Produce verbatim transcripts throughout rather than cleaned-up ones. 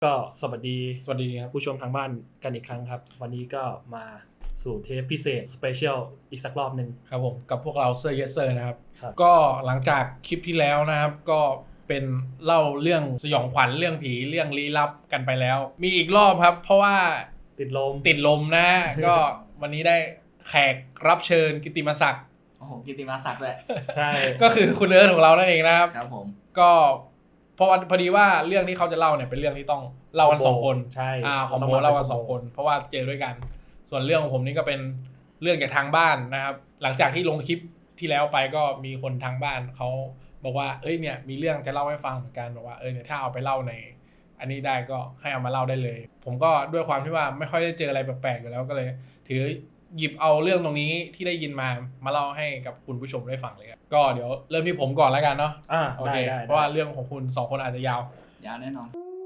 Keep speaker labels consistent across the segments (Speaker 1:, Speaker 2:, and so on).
Speaker 1: ก็สวัสดี
Speaker 2: สวัสดีครับ
Speaker 1: ผู้ชมทางบ้านกันอีกครั้งครับ วันนี้ก็มาสู่เทปพิเศษสเปเชียลอีกสักรอบหนึ่ง
Speaker 2: ครับผมกับพวกเราเซอร์เยสเซอร์นะครับ
Speaker 1: ครับ
Speaker 2: ก็หลังจากคลิปที่แล้วนะครับ ก็เป็นเล่าเรื่องสยองขวัญเรื่องผีเรื่องลี้ลับกันไปแล้ว มีอีกรอบครับ เพราะว่า
Speaker 1: ติดลม
Speaker 2: ติดลมนะ ก็วันนี้ได้แขกรับเชิญกิตติมศักดิ์
Speaker 3: โอ้โหกิตติมาศักดิ์เลย
Speaker 1: ใช่
Speaker 2: ก็คือคุณเอิร์ธของเรานั่นเองนะครับ
Speaker 3: ครับผม
Speaker 2: ก็เพราะว่าพอดีว่าเรื่องที่เขาจะเล่าเนี่ยเป็นเรื่องที่ต้องเล่ากันสองคน
Speaker 1: ใช่
Speaker 2: อ่าของ
Speaker 1: ต้
Speaker 2: โม
Speaker 1: ม
Speaker 2: เล่ากัน
Speaker 1: ป็
Speaker 2: สองคน เพราะว่าเจอด้วยกัน ส่วนเรื่องของผมนี่ก็เป็นเรื่องจากทางบ้านนะครับ หลังจากที่ลงคลิปที่แล้วไปก็มีคนทางบ้านเขาบอกว่าเอ้ยเนี่ยมีเรื่องจะเล่าให้ฟังเหมือนกันบอกว่าเออเนี่ยถ้าเอาไปเล่าในอันนี้ได้ก็ให้เอามาเล่าได้เลย ผมก็ด้วยความที่ว่าไม่ค่อยได้เจออะไรแปลกๆอยู่แล้วก็เลย ถือหยิบเอาเรื่องตรงนี้ที่ได้ยินมามาเล่าให้กับคุณผู้ชมได้ฟังเลยครับก็เดี๋ยวเริ่มที่ผมก่อนแล้วกันเนาะ
Speaker 1: อ่า
Speaker 2: โอ
Speaker 1: ได้
Speaker 2: เค
Speaker 1: ได้
Speaker 2: เพราะว่าเรื่องของคุณสองคนอาจจะยาวย
Speaker 3: าวแน่นอน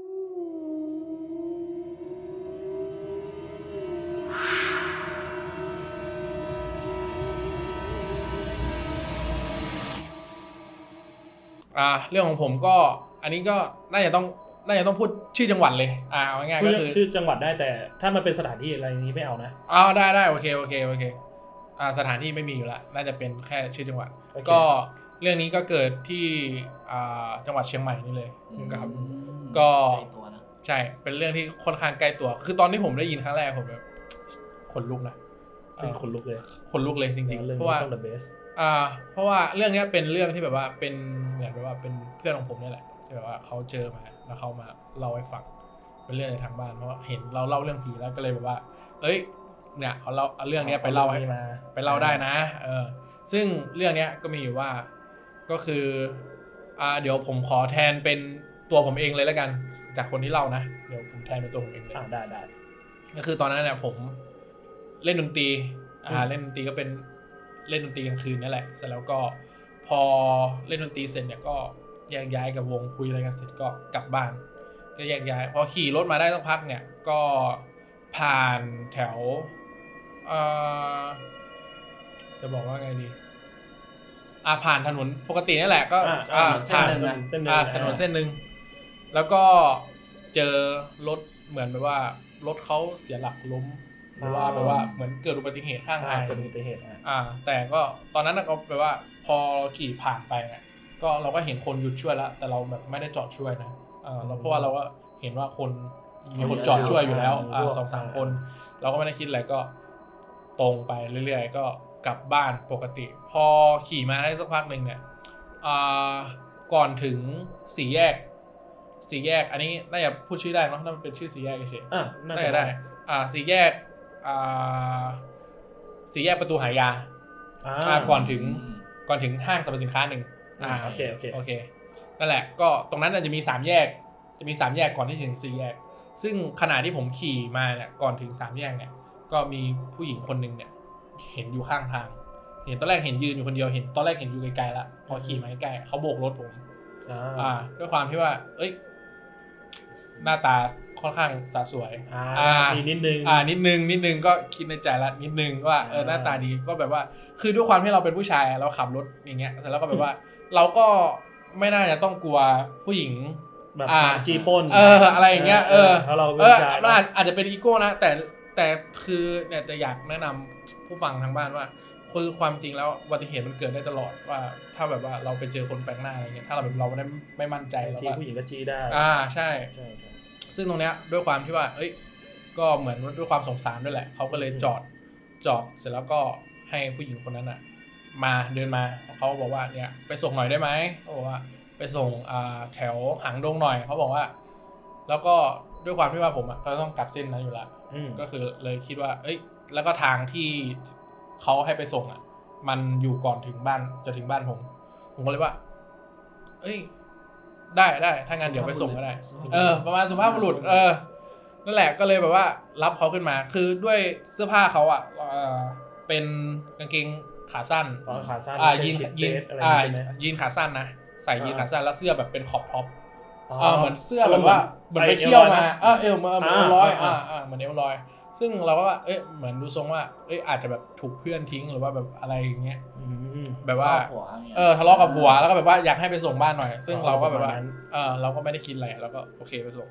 Speaker 2: อ่าเรื่องของผมก็อันนี้ก็น่าจะต้องน่าจะต้องพูดชื่อจังหวัดเลยอ่าเอาง่ายๆ
Speaker 1: พูด
Speaker 2: ก็คือ
Speaker 1: ชื่อจังหวัดได้แต่ถ้ามันเป็นสถานที่อะไรนี้ไม่เอานะ
Speaker 2: อ๋อได้ได้โอเคโอเคโอเคอ่าสถานที่ไม่มีอยู่แล้วน่าจะเป็นแค่ชื่อจังหวัด
Speaker 1: โอเค
Speaker 2: ก็เรื่องนี้ก็เกิดที่อ่าจังหวัดเชียงใหม่นี่เลยครับ
Speaker 3: อืม
Speaker 2: ก็
Speaker 3: ใกล้ตัวนะ
Speaker 2: ใช่เป็นเรื่องที่ค่อนข้างใกล้ตัว คือตอนที่ผมได้ยินครั้งแรกผมแบบขนลุกนะ
Speaker 1: เป็นคนลุกเลย
Speaker 2: ขนลุกเลยจริง
Speaker 1: เรื่
Speaker 2: ๆ
Speaker 1: อง
Speaker 2: เพราะว่า
Speaker 1: ต้อง the best
Speaker 2: อ่าเพราะว่าเรื่องนี้เป็นเรื่องที่แบบว่าเป็นเหมือนแบบว่าเป็นเพื่อนของผมนี่แหละที่แบบว่าเขาเจอมาแล้วเขามาเล่าให้ฟังเป็นเรื่องในทางบ้านเพราะว่าเห็นเราเล่าเรื่องผีแล้วก็เลยแบบว่า เอ้ยเนี่ยเอาเล่าเอาเรื่องนี้ไปเล่าให้
Speaker 1: มา
Speaker 2: ไปเล่าได้นะเออซึ่งเรื่องนี้ก็มีอยู่ว่าก็คืออ่าเดี๋ยวผมขอแทนเป็นตัวผมเองเลยแล้วกันจากคนที่เล่านะเดี๋ยวผมแทนเป็นตัวผมเองเลย
Speaker 1: อ่าได้ได้
Speaker 2: ก็คือตอนนั้นเนี่ยผมเล่นดนตรีอ่า
Speaker 1: อืม
Speaker 2: เล่นดนตรีก็เป็นเล่นดนตรีกลางคืนนั่นแหละเสร็จแล้วก็พอเล่นดนตรีเสร็จเนี่ยก็แยกย้ายกับวงคุยอะไรกันเสร็จก็กลับบ้านก็แยกย้ายพอขี่รถมาได้สักพักเนี่ยก็ผ่านแถวเอ่อจะบอกว่าไงดีอ่าผ่านถนนปกตินี่แหละก็
Speaker 1: อ่า
Speaker 2: อ่า
Speaker 3: เส้น
Speaker 2: ผ่าน
Speaker 3: หนึ่งนะ
Speaker 1: เส้นหนึ่ง
Speaker 2: อ่าถนนเส้นหนึ่งแล้วก็เจอรถเหมือนแบบว่ารถเขาเสียหลักล้มหรือว่าแบบว่าเหมือนเกิดอุบัติเหตุข้าง
Speaker 1: อ่า
Speaker 2: ทาง
Speaker 1: เกิดอุบัติเหตุอ่า
Speaker 2: อ่า แต่ก็ตอนนั้นก็แปลว่าพอขี่ผ่านไปเนี่ยก็เราก็เห็นคนหยุดช่วยแล้ว แต่เราแบบไม่ได้จอดช่วยนะอ่าแล้วเพราะว่าเราก็เห็นว่าคนมีคนจอดช่วยอยู่แล้วอ่าสองสามคน เราก็ไม่ได้คิดอะไรก็ตรงไปเรื่อยๆก็กลับบ้านปกติ พอขี่มาได้สักพักหนึ่งเนี่ยอ่าก่อนถึงสี่แยกสี่แยกอันนี้น่าจะพูดชื่อได้เนาะน่าจะเป็นชื่อสี่แยกเฉย
Speaker 1: อ่า
Speaker 2: ๆ
Speaker 1: น่า
Speaker 2: น่า
Speaker 1: จะ
Speaker 2: จะ
Speaker 1: ได้
Speaker 2: ได้อ่าสี่แยกอ่าสี่แยกประตูหายา
Speaker 1: อ่า
Speaker 2: อ่าก่อนถึง
Speaker 3: อืม
Speaker 2: ก่อนถึงห้างสรรพสินค้าหนึ่งอ่า
Speaker 1: โอเคโอเค
Speaker 2: โอเคนั่นแหละก็ตรงนั้นน่ะจะมีสามแยกจะมีสามแยกก่อนที่ถึงสี่แยกซึ่งขณะที่ผมขี่มาเนี่ยก่อนถึงสามแยกเนี่ยก็มีผู้หญิงคนหนึ่งเนี่ยเห็นอยู่ข้างทางเห็นตอนแรกเห็นยืนอยู่คนเดียวเห็นตอนแรกเห็นอยู่ไกลๆแล้วพอขี่มาใกล้ๆเขาโบกรถผม
Speaker 1: อ่า
Speaker 2: อ่าด้วยความที่ว่าเอ้ยหน้าตาค่อนข้างสะสวย
Speaker 1: อ่า
Speaker 2: อ่า
Speaker 1: มีนิดนึง
Speaker 2: อ่านิดนึงนิดนึงก็คิดในใจละนิดนึงว่าเออ
Speaker 1: อ่า
Speaker 2: หน้าตาดีก็แบบว่า คือด้วยความที่เราเป็นผู้ชายเราขับรถอย่างเงี้ยแล้วก็แบบว่า เราก็ไม่น่าจะต้องกลัวผู้หญิง
Speaker 1: แบบ
Speaker 2: อ่า
Speaker 1: จีปล้น
Speaker 2: เอออะไรอย่างเงี้ยเออ
Speaker 1: เพราะเรา
Speaker 2: เอ
Speaker 1: เป็น
Speaker 2: อ
Speaker 1: ชาย
Speaker 2: มันอาจอาจจะเป็นอีโก้นะแต่แต่คือเนี่ยจะอยากแนะนำผู้ฟังทางบ้านว่าคือความจริงแล้วอุบัติเหตุมันเกิดได้ตลอดว่าถ้าแบบว่าเราไปเจอคนแปลกหน้าอะไรเงี้ยถ้าเราแบบเราไม่ได้ไม่มั่นใจ
Speaker 1: บาง
Speaker 2: เรา
Speaker 1: ที
Speaker 2: ก็
Speaker 1: ผู้หญิงก็จีได้
Speaker 2: อ่าใช่
Speaker 1: ใช่ใช่
Speaker 2: ซึ่งตรงเนี้ยด้วยความที่ว่า เอ้ย ก็เหมือนด้วยความสงสารด้วยแหละ เขาก็เลยจอด จอด เสร็จแล้วก็ให้ผู้หญิงคนนั้นอ่ะ มาเดินมา เขาบอกว่า เนี่ย ไปส่งหน่อยได้ไหมเขาบอกว่า ไปส่งอ่าแถวหางดงหน่อย เขาบอกว่า แล้วก็ด้วยความที่ว่าผมอ่ะก็ต้องกลับเส้นนั้นอยู่แล้ว
Speaker 1: อืม
Speaker 2: ก็คือเลยคิดว่า เอ้ย แล้วก็ทางที่เขาให้ไปส่งอ่ะ มันอยู่ก่อนถึงบ้าน จะถึงบ้านผม ผมก็เลยว่า เอ้ย ได้ได้ ถ้างั้นเดี๋ยวไปส่งก็ได้ เออ ประมาณสุภาพบุรุษ เออ นั่นแหละ ก็เลยแบบว่ารับเขาขึ้นมา คือด้วยเสื้อผ้าเขาอ่ะเออเป็นกางเกงขาสั้น
Speaker 1: ตอนขาสั้น
Speaker 2: อ่า
Speaker 1: ไม่ใช่
Speaker 2: ยีน
Speaker 1: ชิด
Speaker 2: ยีน
Speaker 1: เดทอะไร
Speaker 2: อ่า
Speaker 1: ใช่ไหม
Speaker 2: ยีนขาสั้นนะ ใส่ยีนขาสั้นแล้วเสื้อแบบเป็นขอบท็อป
Speaker 1: อ๋อ
Speaker 2: อ่าเหมือนเสื้อแบบว่าเหมือนไปเที่ยวมาเออเอวมาเหมือนเอวลอยอ่าอ่าเหมือนเอวลอย ซึ่งเราก็ว่าเอ้ยเหมือนดูทรงว่าเอ้ยอาจจะแบบถูกเพื่อนทิ้งหรือว่าแบบอะไรอย่างเงี้ย
Speaker 1: อืม
Speaker 2: แบบว่า
Speaker 3: หัวนี่ย
Speaker 2: เออทะเลาะกับผัวแล้วก็แบบว่าอยากให้ไปส่งบ้านหน่อย ซึ่ง
Speaker 1: อ๋อ
Speaker 2: เราก็แบบว่า
Speaker 1: ประมาณนั้น
Speaker 2: เออเราก็ไม่ได้คิดอะไรเราก็โอเคไปส่ง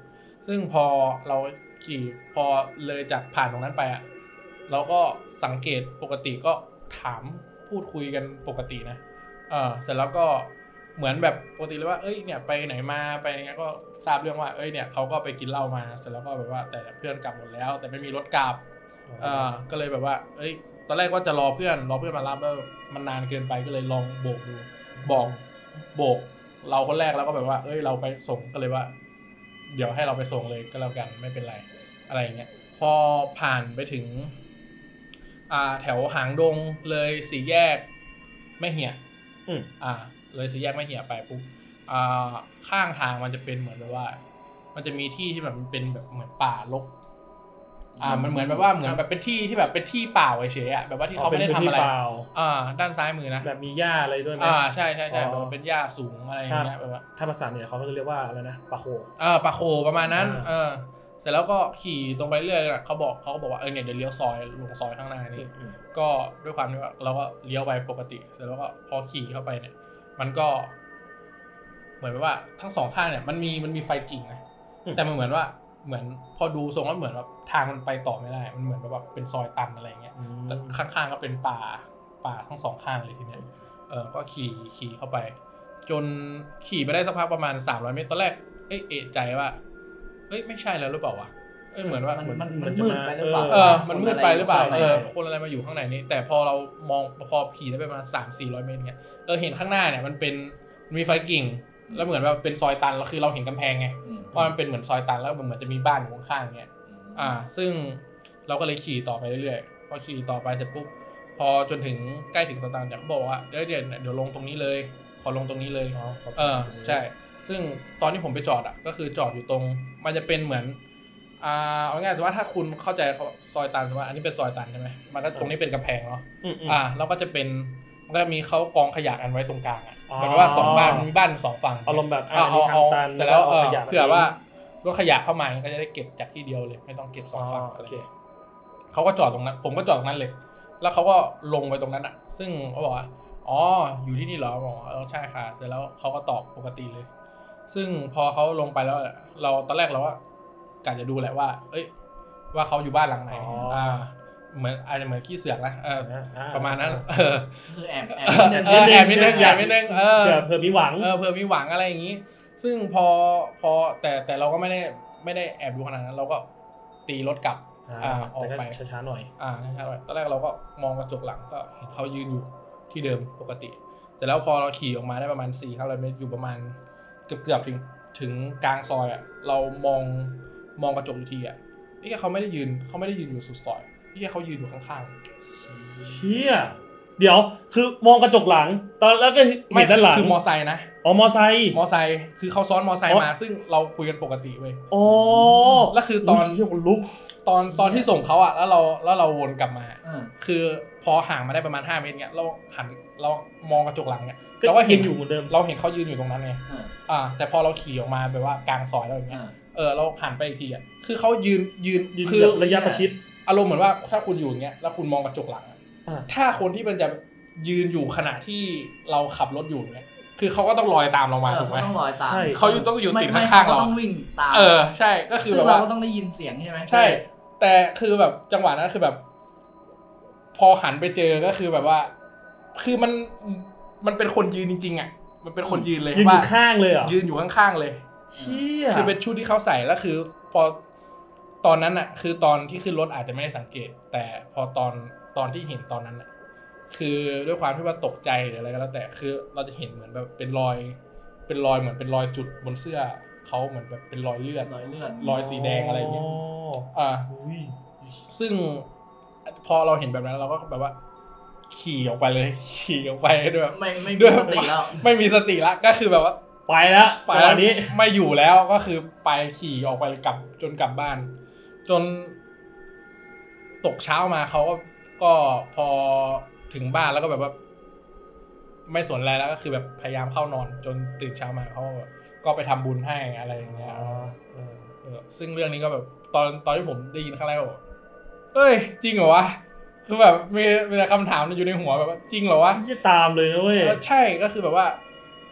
Speaker 2: ซึ่งพอเราขี่พอเลยจากผ่านตรงนั้นไปอ่ะเราก็สังเกตปกติก็ถามพูดคุยกันปกตินะเออเสร็จแล้วก็เหมือนแบบปกติเลยว่าเอ้ยเนี่ยไปไหนมาไปอย่างเงี้ยก็ทราบเรื่องว่าเอ้ยเนี่ยเขาก็ไปกินเหล้ามาเสร็จแล้วก็แบบว่าแต่เพื่อนกลับหมดแล้วแต่ไม่มีรถกลับเออก็เลยแบบว่าเอ้ยตอนแรกว่าจะรอเพื่อนรอเพื่อนมารับแล้วมันนานเกินไปก็เลยลองโบกดูบอกโบกเราคนแรกแล้วก็แบบว่าเอ้ยเราไปส่งก็เลยว่าเดี๋ยวให้เราไปส่งเลยก็แล้วกันไม่เป็นไรอะไรอย่างเงี้ยพอผ่านไปถึงอ่าแถวหางดงเลยสี่แยกแม่เหี่ยอืมอ่าเลยสี่แยกแม่เหี่ยไปปุ๊บอ่าข้างทางมันจะเป็นเหมือนแบบว่ามันจะมีที่ที่แบบมันเป็นแบบเหมือนป่ารกอ่ามันเหมือนแบบว่าเหมือนแบบเป็นที่ที่แบบเป็นที่เปล่าเฉยๆอ่ะแบบว่าที่เขาไม่ได้ทำอะไรอ่าด้านซ้ายมือนะ
Speaker 1: แบบมีหญ้าอะไรด้วยไหม
Speaker 2: อ่าใช่ใช่ใช่แบบเป็นหญ้าสูงอะไรอย่างเงี้ยแบบว่า
Speaker 1: ถ้าภาษาเหนือเขาก็จะเรียกว่าอะไรนะปะโค
Speaker 2: เออปะโคประมาณนั้นเออเสร็จแล้วก็ขี่ตรงไปเรื่อยๆเขาบอกเขาก็บอกว่าเออเนี่ยเดี๋ยวเลี้ยวซอยลงซอยข้างหน้านี่ก็ด้วยความที่ว่าเราก็เลี้ยวไปปกติเสร็จแล้วก็พอขี่เข้าไปเนี่ยมันก็เหมือนว่าทั้งสองข้างเนี่ยมันมีมันมีไฟกิ่งนะแต่มันเหมือนว่าเหมือนพอดูทรงแล้วเหมือนว่าทางมันไปต่อไม่ได้มันเหมือนแบบเป็นซอยตันอะไรเงี้ยแต่ข้างๆก็เป็นป่าป่าทั้งสองข้างเลยทีเนี้ยเออก็ขี่ขี่เข้าไปจนขี่ไปได้สักพักประมาณสามร้อยเมตรตอนแรกเอ๊ะเอะใจว่าเอ้ยไม่ใช่แล้วหรือเปล่าวะเอ้ยเหมือนว่า
Speaker 3: มันมัน
Speaker 1: มัน
Speaker 3: มืดไปหรือเปล่า
Speaker 2: เออมันมืดไปหรือเปล่าเออคนอะไรมาอยู่ข้างในนี้แต่พอเรามองพอขี่ได้ไปประมาณสามสี่ร้อยเมตรเงี้ยเออเห็นข้างหน้าเนี่ยมันเป็นมีไฟกิ่งแล้วเหมือนว่าเป็นซอยตันแล้วคือเราเห็นกำแพงไงว่ามันเป็นเหมือนซอยตันแล้วมันเหมือนจะมีบ้านอยู่ข้างๆเงี้ยอ่าซึ่งเราก็เลยขี่ต่อไปเรื่อยๆพอขี่ต่อไปเสร็จปุ๊บพอจนถึงใกล้ถึงซอยตันเนี่ยเขาบอกว่าเดี๋ยวเดี๋ยวเดี๋ยวลงตรงนี้เลยขอลงตรงนี้เลยเออใช่ซึ่งตอนที่ผมไปจอดอ่ะก็คือจอดอยู่ตรงมันจะเป็นเหมือนอ่าเอาง่ายๆสมมติว่าถ้าคุณเข้าใจเขาซอยตันสมมติว่าอันนี้เป็นซอยตันใช่ไหมมันก็ตรงนี้เป็นกำแพงเนาะอ่าแล้วก็จะเป็นก็มีเขากองขยะกันไว้ตรงกลางอ่ะเหมือนว่าสองบ้านมีบ้านสองฝั่ง
Speaker 1: อารมณ์แบบ
Speaker 2: เอาเอาเอาเสร็จแล้วเออเผื่อว่ารถขยะเข้ามาก็จะได้เก็บจากที่เดียวเลยไม่ต้องเก็บสองฝั่งโอเคเขาก็จอดตรงนั้นผมก็จอดตรงนั้นเลยแล้วเขาก็ลงไปตรงนั้นอ่ะซึ่งเขาบอกว่าอ๋ออยู่ที่นี่เหรอบอกเออใช่ค่ะเสร็จแล้วเขาก็ตอบปกติเลยซึ่งพอเขาลงไปแล้วเราตอนแรกเราว่ากะจะดูแหละว่าเอ้ยว่าเขาอยู่บ้านหลังไหนอ่าเหมือนอาจจะเหมือนขี้เสือกนะเออประมาณนั้นเออ
Speaker 3: คือแอบแอบ
Speaker 2: เออแอบนิดนึงแอบนิดนึงเออ
Speaker 1: เผื่อมีหวัง
Speaker 2: เออเผื่อมีหวังอะไรอย่างงี้ซึ่งพอพอแต่แต่เราก็ไม่ได้ไม่ได้แอบดูขนาดนั้นเราก็ตีรถกลับ
Speaker 1: อ่าออกไปช้าๆหน่อย
Speaker 2: อ่าช้าๆหน่อยตอนแรกเราก็มองกระจกหลังก็เห็นเขายืนอยู่ที่เดิมปกติแต่แล้วพอเราขี่ออกมาได้ประมาณ สี่ถึงห้าร้อย เมตรอยู่ประมาณเกือบๆถึงถึงกลางซอยอ่ะเรามองมองกระจกอีกทีอ่ะนี่เขาไม่ได้ยืนเขาไม่ได้ยืนอยู่สุดซอยนี่เขายืนอยู่ข้าง
Speaker 1: ๆเชี่ยเดี๋ยวคือมองกระจกหลังตอนแล้วก็เห็นด้านหลัง
Speaker 2: คือมอไซค์นะ
Speaker 1: อ๋อมอไซค์
Speaker 2: มอไซค์คือเขาซ้อนมอไซค์มาซึ่งเราคุยกันปกติเว้ย
Speaker 1: อ๋อ
Speaker 2: แล้วคือตอน
Speaker 1: ที่คนลุก
Speaker 2: ตอนตอนที่ส่งเขาอ่ะแล้วเราแล้วเราวนกลับมาคือพอห่างมาได้ประมาณห้าเมตรเงี้ยเราหันเรามองกระจกหลังเนี่ยเราก็เห็นอยู่เหมือนเดิมเราเห็นเขายืนอยู่ตรงนั้นไงอ่าแต่พอเราขี่ออกมาแบบว่ากลางซอยแล้วอย่างเงี้ยเออเราหันไปอีกทีอ่ะคือเขายืนยืน
Speaker 1: คือระยะประชิด
Speaker 2: อารมณ์เหมือนว่าถ้าคุณอยู่อย่างเงี้ยแล้วคุณมองกระจกหลังถ้าคนที่มันจะยืนอยู่ขณะที่เราขับรถอยู่เนี่ยคือเขาก็ต้องลอยตามเรามาถูกไหม
Speaker 3: ต้องลอยตาม
Speaker 2: ใช่เขาอยู่ต้องอยู่ติดข้างๆเรา
Speaker 3: ต้องวิ่งตาม
Speaker 2: เออใช่ก็คือแบบ
Speaker 3: ว่าเราก็ต้องได้ยินเสียงใช่ไหม
Speaker 2: ใช่แต่คือแบบจังหวะนั้นคือแบบพอหันไปเจอก็คือแบบว่าคือมันมันเป็นคนยืนจริงๆอ่ะมันเป็นคนยืนเลย
Speaker 1: ยืนอยู่ข้างเลยเหรอ
Speaker 2: ยืนอยู่ข้างๆเลย
Speaker 1: เชี่ย
Speaker 2: คือเป็นชุดที่เขาใส่แล้วคือพอตอนนั้นอ่ะคือตอนที่ขึ้นรถอาจจะไม่ได้สังเกตแต่พอตอนตอนที่เห็นตอนนั้นอ่ะคือด้วยความที่ว่าตกใจหรืออะไรก็แล้วแต่คือเราจะเห็นเหมือนแบบเป็นรอยเป็นรอยเหมือนเป็นรอยจุดบนเสื้อเขาเหมือนแบบเป็นรอยเลือด
Speaker 3: รอยเลือด
Speaker 2: รอยสีแดงอะไรอย่างเงี้ยอ่าซึ่งพอเราเห็นแบบนั้นเราก็แบบว่าขี่ออกไปเลยขี่ออกไปด้วย
Speaker 3: ไม่ไม่มีสติแล้ว
Speaker 2: ไม่มีสติแล้วก็คือแบบว่า
Speaker 1: ไปแล้ว
Speaker 2: ไปแล้วนี้ไม่อยู่แล้วก็คือไปขี่ออกไปกลับจนกลับบ้านจนตกเช้ามาเขาก็ก็พอถึงบ้านแล้วก็แบบว่าไม่สนอะไรแล้วก็คือแบบพยายามเข้านอนจนตื่นเช้ามาเขาก็ไปทำบุญให้อะไรอย่างเงี้ยซึ่งเรื่องนี้ก็แบบตอนตอนที่ผมได้ยินครั้งแรกบอกเอ้ยจริงเหรอวะคือแบบมีมีแต่คำถามอยู่ในหัวแบบว่าจริงเหรอวะ
Speaker 1: จะตามเลยนะเว้ย
Speaker 2: ใช่ก็คือแบบว่า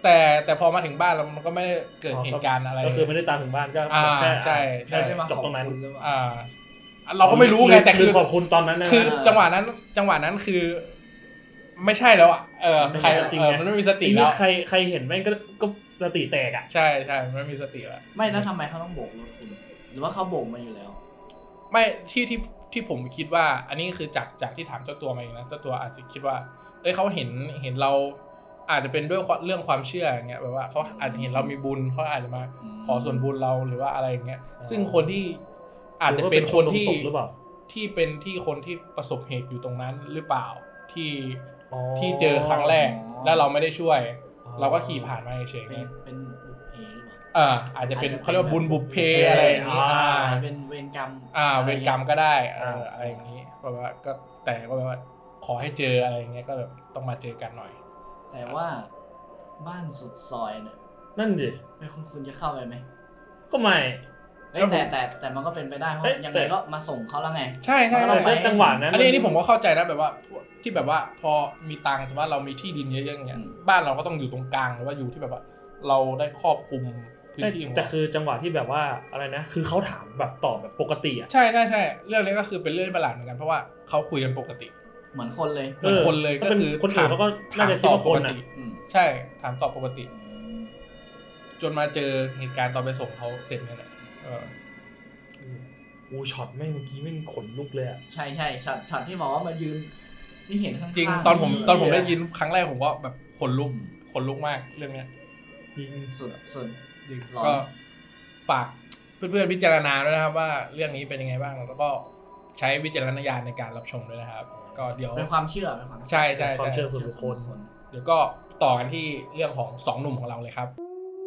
Speaker 2: แต่แต่พอมาถึงบ้านเรามันก็ไม่ได้เกิดเหตุการณ์อะไร
Speaker 1: ก็คือไม่ได้ตามถึงบ้านก็
Speaker 2: อ่า
Speaker 1: แค่
Speaker 2: ใช่ใช่
Speaker 1: แค่จบตรงนั้น
Speaker 2: อ่าเราก็ไม่รู้ไงแต่คือ
Speaker 1: ขอบคุณตอนนั้นนะ
Speaker 2: คือจังหวะนั้นจังหวะนั้นคือ ไม่ใช่แล้วอ่ะเออใคร
Speaker 1: จริง
Speaker 2: เออ
Speaker 1: ไง
Speaker 2: มันไม่มีสติ
Speaker 1: ไอ้
Speaker 2: แล้
Speaker 1: นี่
Speaker 2: ว
Speaker 1: ใครใครเห็นแม่งก็ก็สติแตกอ่ะ
Speaker 2: ใช่ใช่มันไม่มีสติแล้ว
Speaker 3: ไม่แล้วทำไมเขาต้องโบกรถคุณ หรือว่าเขาโบกมาอยู่แล้ว
Speaker 2: ไม่ที่ที่ที่ผมคิดว่า อันนี้คือจากจากที่ถามเจ้าตัวมาเองนะเจ้าตัวอาจจะคิดว่าเอ้ยเขาเห็นเห็นเราอาจจะเป็นด้วยเรื่องความเชื่ออย่างเงี้ยแบบว่าเขาอาจจะเห็นเรามีบุญเขาอาจจะมาขอส่วนบุญเราหรือว่าอะไรอย่างเงี้ยซึ่งคนที่อาจจะเป็นคนที่
Speaker 1: หรือเปล่า
Speaker 2: ที่เป็นที่คนที่ประสบเหตุอยู่ตรงนั้นหรือเปล่าที่
Speaker 1: อ๋อ
Speaker 2: ที่เจอครั้งแรก
Speaker 3: อ๋อ
Speaker 2: แล้วเราไม่ได้ช่วย
Speaker 1: อ๋อ
Speaker 2: เราก็ขี่ผ่านมาเฉย
Speaker 3: เป็น
Speaker 2: ๆ
Speaker 3: เป็นบุพเพหรือเปล่า
Speaker 2: อ่าอาจจะเป็น
Speaker 3: อาจจะเป็น
Speaker 2: เขาเรียกว่าบุญบุพเพ
Speaker 1: บุพเพ
Speaker 2: อะไรอย่างนี้
Speaker 1: อ่า
Speaker 2: อ่า
Speaker 3: อาจจะเป็นเวรกรรม
Speaker 2: อ่าเวรกรรมก็ได้เออ
Speaker 1: อ่า
Speaker 2: อะไรอย่างนี้เพราะว่าก็แต่ก็แบบว่าขอให้เจออะไรอย่างเงี้ยก็แบบต้องมาเจอกันหน่อย
Speaker 3: แต่ว่าบ้านสุดซอยเนี่ย
Speaker 1: นั่นสิ
Speaker 3: เป็นคุณคุณจะเข้าไปไหม
Speaker 1: ก็ไม่
Speaker 3: เอ้ยแต่แต่แต่มันก็เป็นไปได้เพราะ
Speaker 1: เอ้ย
Speaker 3: ยัง
Speaker 1: แต่
Speaker 3: ไงก็มาส่งเขาแล้วไง
Speaker 2: ใช่ใช่
Speaker 3: มันก็ต้องไป
Speaker 1: แต่จังหวะนั้น
Speaker 2: อันนี้อันนี้ผมก็เข้าใจนะแบบว่าที่แบบว่าพอมีตังค์สมมติว่าเรามีที่ดินเยอะๆอย่างเงี้ยบ้านเราก็ต้องอยู่ตรงกลางหรือว่าอยู่ที่แบบว่า เราได้ครอบคลุมพื้นที่ของ
Speaker 1: แต่
Speaker 2: เรา
Speaker 1: คือจังหวะที่แบบว่าอะไรนะ คือเขาถามแบบตอบแบบปกติอ่ะ
Speaker 2: ใช่ใช่ใช่เรื่องนี้ก็คือเป็นเรื่องประหลาดเหมือนกันเพราะว่าเขาคุยกันปกติ
Speaker 3: เหมือนคนเลย
Speaker 2: เหมือนคนเลยก็คือ
Speaker 1: คนอื่นเขาก็น่าจะคิดว่าคนอ่ะ
Speaker 3: อืม
Speaker 2: ใช่ถามตอบปกติ จนมาเจอเหตุการณ์ตอนไปส่งเขาเสร็จนี่แหละเออ
Speaker 1: อูช็อตแม่งเมื่อกี้แม่งขนลุกเลยอ่ะ
Speaker 3: ใช่ใช่ช็อตช็อตที่บอกว่ามายืนที่เห็นข้างๆ
Speaker 2: จริงตอนผมตอนผมได้ยิน
Speaker 3: เ
Speaker 2: ครั้งแรกผมก็แบบขนลุกขนลุกมากเรื่องเนี้ย
Speaker 1: จริง
Speaker 3: สุดสุด
Speaker 2: จริง
Speaker 3: หรอ
Speaker 2: ก็ฝากเพื่อนๆพิจารณาด้วยนะครับว่าเรื่องนี้เป็นยังไงบ้างแล้วก็ใช้วิจารณญาณในการรับชมด้วยนะครับ ก็เดี๋ยว
Speaker 3: เป็นความเชื่อเป็นความเชื่อ
Speaker 2: ใช่ใช่
Speaker 1: ความเชื่
Speaker 2: ใช่
Speaker 1: อส่วนบุคคล
Speaker 2: เดี๋ยวก็ต่อกันที่เรื่องของสองหนุ่มของเราเลยครับ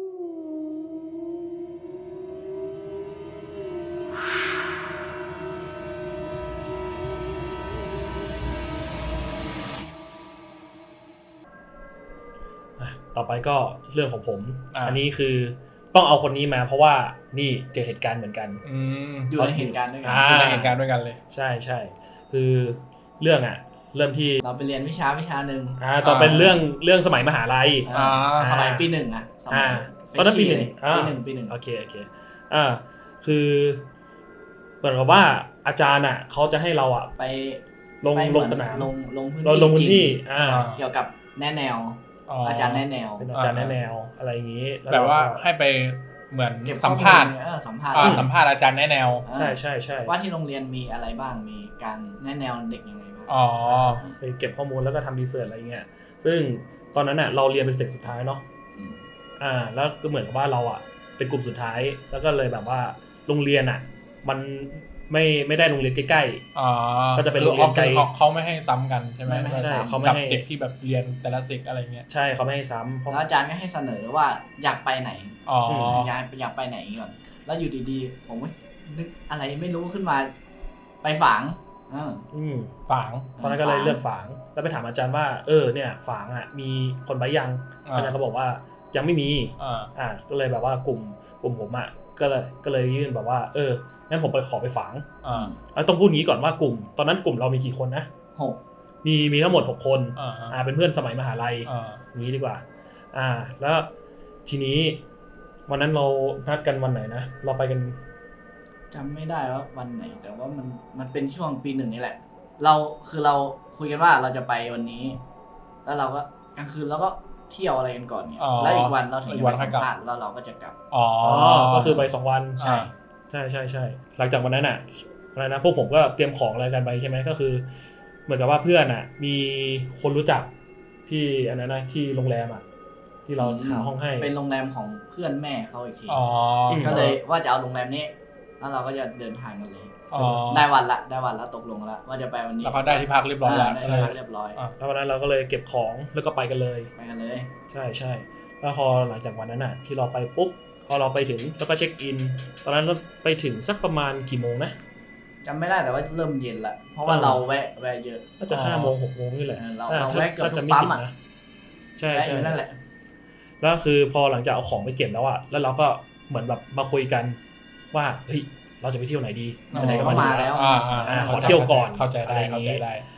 Speaker 1: ต่อไปก็เรื่องของผม
Speaker 2: อ่า
Speaker 1: อันนี้คือต้องเอาคนนี้มาเพราะว่านี่เจอเหตุการณ์เหมือนกัน
Speaker 2: อืม
Speaker 3: อยู่ในเหตุการณ์ด้วยกั
Speaker 1: อ่า
Speaker 2: อยู่ในเหตุการณ์ด้วยกันเลย
Speaker 1: ใช่ใช่คือเรื่องอ่ะ เริ่มที่
Speaker 3: เราไปเรียนวิชาวิชาหนึ่ง
Speaker 1: อ่าตอนเป็นเรื่องเรื่องสมัยมหาลัย
Speaker 3: อ่า
Speaker 2: อ่า
Speaker 3: สมัยปีหนึ่งอะสมั
Speaker 1: อ่าย ตอนนั้นปีหนึ่ง
Speaker 3: เฟรชชี่เลยปีหนึ่งปีหนึ่ง
Speaker 1: โอเคโอเคอ่าคือเหมือนกับว่าอาจารย์อ่ะเขาจะให้เราอ่ะ
Speaker 3: ไป
Speaker 1: ลง
Speaker 3: ไปเห
Speaker 1: ล
Speaker 3: มื
Speaker 1: ง
Speaker 3: อน
Speaker 1: สนาม
Speaker 3: ลงลงพื้น
Speaker 1: เรา
Speaker 3: ที่
Speaker 1: ลงพื้นที่
Speaker 3: จริง
Speaker 1: อ่า
Speaker 2: อ่า
Speaker 3: เกี่ยวกับแนะแนว อาจารย์แนะแนว
Speaker 1: เป็นอาจารย์แนะแนวอะไรอย่างนี้ล้
Speaker 2: แบบว่า
Speaker 1: เรก็
Speaker 2: ให้ไปเหมือน
Speaker 3: เก็บ
Speaker 2: สัมภาษณ์
Speaker 3: ข้อลเออสัมภาษณ์
Speaker 2: อ่าสัมภาษณ์อาจารย์แนะแนว
Speaker 3: อ่า
Speaker 1: ใช่ใช่ใช่
Speaker 3: ว่าที่โรงเรียนมีอะไรบ้างมีการแนะแนวเด็กยังไงบ้าง
Speaker 2: อ๋อ
Speaker 1: ไปเก็บข้อมูลแล้วก็ทำรีเสิร์ชอะไรเงี้ยซึ่งตอนนั้นอ่ะเราเรียนเป็นเซกสุดท้ายเนาะ
Speaker 3: ม
Speaker 1: อ่าแล้วก็เหมือนกับว่าเราอ่ะเป็นกลุ่มสุดท้ายแล้วก็เลยแบบว่าโรงเรียนอ่ะมันไม่ไม่ได้โรงเรียนใกล้
Speaker 2: อ๋อ
Speaker 1: ก็จะเป็นโรงเรียนไกล
Speaker 2: คือเขาเขาไม่ให้ซ้ำกันใช่ไหม
Speaker 3: ไม่ให้
Speaker 1: ๆใช่
Speaker 3: ซ้ำ
Speaker 1: เขาไม่
Speaker 2: กับ
Speaker 1: ให้
Speaker 2: เด็กที่แบบเรียนแต่ละสิกอะไรเงี้ย
Speaker 1: ใช่เขาไม่ให้ซ้ำเพราะ
Speaker 3: แล้วอาจารย์ก็ให้เสนอว่าอยากไปไหน
Speaker 2: อ๋อ
Speaker 3: อยากอยากไปไหนก่อนแล้วอยู่ดีๆ ผมก็นึกอะไรไม่รู้ขึ้นมา ไปฝางเออ
Speaker 1: อืม
Speaker 2: ฝาง
Speaker 1: ตอนนั้นก็เลย
Speaker 3: ฝาง
Speaker 1: เลือกฝางแล้วไปถามอาจารย์ว่าเออเนี่ยฝางอ่ะมีคนไปยัง
Speaker 2: อ่า
Speaker 1: อาจารย์ก็บอกว่ายังไม่มี
Speaker 2: อ่า
Speaker 1: อ่าก็เลยแบบว่ากลุ่มกลุ่มผมอ่ะก็เลยก็เลยยื่นแบบว่าเอองั้นผมไปขอไปฝาง
Speaker 2: อ่า
Speaker 1: แล้วต้องพูดงี้ก่อนว่ากลุ่ม ตอนนั้นกลุ่มเรามีกี่คนนะ
Speaker 3: หก
Speaker 1: มีมีทั้งหมดหกคน
Speaker 2: อ่า
Speaker 1: อ่าเป็นเพื่อนสมัยมหาลัย
Speaker 2: อ่า
Speaker 1: นี้ดีกว่า อ่า แล้วทีนี้วันนั้นเรานัดกันวันไหนนะเราไปกัน
Speaker 3: จำไม่ได้ว่าวันไหน แต่ว่ามันมันเป็นช่วงปีหนึ่งนี่แหละ เราคือเราคุยกันว่าเราจะไปวันนี้ แล้วเราก็กลางคืนเราก็เที่ยวอะไรกันก่อนเนี่ย
Speaker 2: อ๋อ
Speaker 3: แล้วอีกวันเราถึง
Speaker 2: อี
Speaker 3: จะ
Speaker 2: กวั
Speaker 3: ไป
Speaker 2: นค่
Speaker 3: สั
Speaker 2: อย
Speaker 3: ม
Speaker 2: กลับ
Speaker 3: ภาษณ์แล้วเราก็จะกลับ
Speaker 2: อ๋อ
Speaker 1: อ๋อก็คือไปสองวัน
Speaker 3: ใช่
Speaker 1: ใช่ใช่ใช่หลังจากวันนั้นอ่ะอะไรนะพวกผมก็เตรียมของอะไรกันไปใช่ไหมก็คือ เหมือนกับว่าเพื่อนอ่ะ มีคนรู้จักที่อันนั้นนะที่โรงแรมอ่ะ ที่เราหาห้องให้
Speaker 3: เป็นโรงแรมของเพื่อนแม่เขาอีกที
Speaker 2: อ๋อ
Speaker 1: ม
Speaker 3: ก็เลยว่าจะเอาโรงแรมนี้ แล้วเราก็จะเดินทางกันเลย
Speaker 2: อ๋อ
Speaker 3: ได้วันละได้วันละตกลงแล้วว่าจะไปวันนี้
Speaker 2: แล้วก็ได้ที่พักเรียบร้อยแล้ว
Speaker 3: าได้ที่พักเรียบร้อย
Speaker 2: อ่ะ
Speaker 1: แล้ววันนั้นเราก็เลยเก็บของแล้วก็ไปกันเลย
Speaker 3: ไปกันเลย
Speaker 1: ใช่ใช่แล้วพอหลังจากวันนั้นอ่ะ ที่เราไปปุ๊บพอเราไปถึงแล้วก็เช็คอิน ตอนนั้นเราไปถึงสักประมาณกี่โมงนะ
Speaker 3: จำไม่ได้แต่ว่าเริ่มเย็นละเพราะว่าเราแวะแวะเยอะ
Speaker 1: น่าจะห้าโมงหกโมงนี่แหละ
Speaker 3: เออเรา
Speaker 1: อ่
Speaker 3: เรา
Speaker 1: ถ้า
Speaker 3: แวะเกือบ
Speaker 1: ถ้า
Speaker 3: ทุ
Speaker 1: จะ
Speaker 3: ก
Speaker 1: ไม่
Speaker 3: ปั๊
Speaker 1: ผิ
Speaker 3: ม
Speaker 1: ด
Speaker 3: อ่ะ
Speaker 1: นะใช่
Speaker 3: แวะอ
Speaker 1: ใช่
Speaker 3: ยู่นั่นแหละ
Speaker 1: แล้วคือพอหลังจากเอาของไปเก็บแล้วอะแล้วเราก็เหมือนแบบมาคุยกันว่าเฮ้ยเราจะไปเที่ยวไหนดี
Speaker 3: ไหนๆก็มาแล้ว
Speaker 2: อ่าอ่า
Speaker 1: อ่าขอเที่ยวก่อน
Speaker 2: เข้าใจได้
Speaker 1: อะไรอย่างงี้
Speaker 2: เข้าใจได้